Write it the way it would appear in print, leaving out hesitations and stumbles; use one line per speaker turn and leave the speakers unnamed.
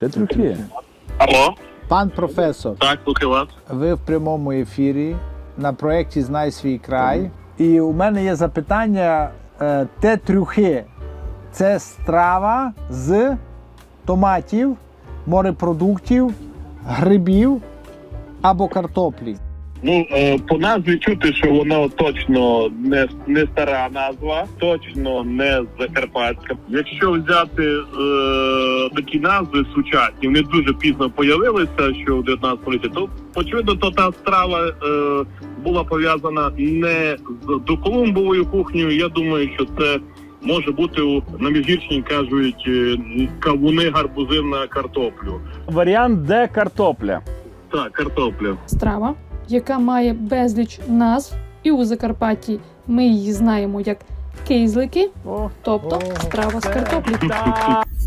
Де трюки?
Алло,
Пан професор,
так, слухаю вас.
ви в прямому ефірі на проєкті Знай свій край. І у мене є запитання: те трюхи – це страва з томатів, морепродуктів, грибів або картоплі?
Ну, по назві чути, що воно точно не стара назва, точно не закарпатська. Якщо взяти такі назви сучасні, вони дуже пізно появилися, що в 19 столітті, то очевидно, то та страва була пов'язана не з доколумбовою кухнею. Я думаю, що це може бути, на Міжгірщині кажуть, кавуни, гарбузи на картоплю.
Варіант Д – картопля.
Так, картопля.
Страва, яка має безліч назв, і у Закарпатті ми її знаємо як кейзлики, тобто страва з картоплі.
Так.